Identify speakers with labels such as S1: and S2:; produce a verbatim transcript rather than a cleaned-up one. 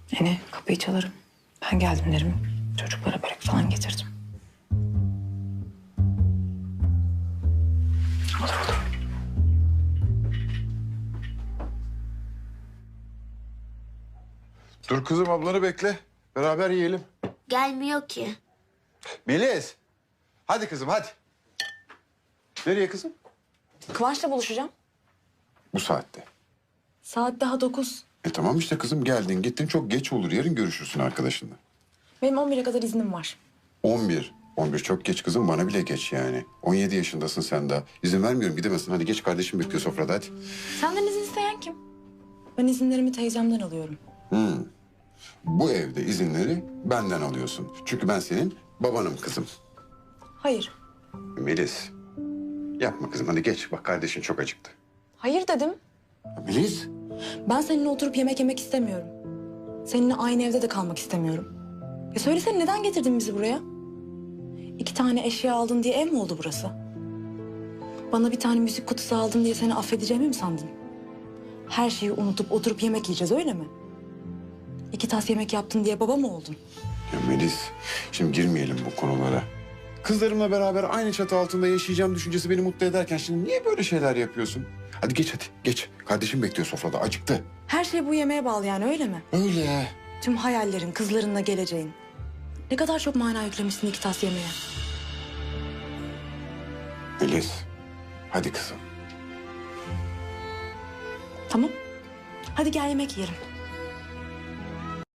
S1: Hani kapıyı çalarım. Ben geldim derim. Çocuklara börek falan getirdim. Olur olur.
S2: Dur kızım, ablanı bekle. Beraber yiyelim.
S3: Gelmiyor ki.
S2: Melis. Hadi kızım hadi. Nereye kızım?
S1: Kıvanç'la buluşacağım.
S2: Bu saatte.
S1: Saat daha dokuz.
S2: E tamam işte kızım, geldin gittin, çok geç olur. Yarın görüşürsün arkadaşınla.
S1: Benim on bire kadar iznim var.
S2: on bir. on bir çok geç kızım, bana bile geç yani. on yedi yaşındasın sen daha. İzin vermiyorum, gidemezsin. Hadi geç, kardeşim bekliyor sofrada, hadi.
S1: Senden izin isteyen kim? Ben izinlerimi teyzemden alıyorum.
S2: Bu evde izinleri benden alıyorsun. Çünkü ben senin babanım kızım.
S1: Hayır.
S2: Melis. Yapma kızım, hadi geç. Bak kardeşin çok acıktı.
S1: Hayır dedim.
S2: Melis.
S1: Ben seninle oturup yemek yemek istemiyorum. Seninle aynı evde de kalmak istemiyorum. Ya söylesene, neden getirdin bizi buraya? İki tane eşya aldın diye ev mi oldu burası? Bana bir tane müzik kutusu aldın diye seni affedeceğimi mi sandın? Her şeyi unutup oturup yemek yiyeceğiz, öyle mi? İki tas yemek yaptın diye baba mı oldun?
S2: Ya Melis, şimdi girmeyelim bu konulara. Kızlarımla beraber aynı çatı altında yaşayacağım düşüncesi beni mutlu ederken şimdi niye böyle şeyler yapıyorsun? Hadi geç hadi, geç. Kardeşim bekliyor sofrada, acıktı.
S1: Her şey bu yemeğe bağlı yani, öyle mi?
S2: Öyle.
S1: Tüm hayallerin, kızlarınla geleceğin. Ne kadar çok mana yüklemişsin iki tas yemeğe.
S2: Melis, hadi kızım.
S1: Tamam. Hadi gel yemek yiyelim.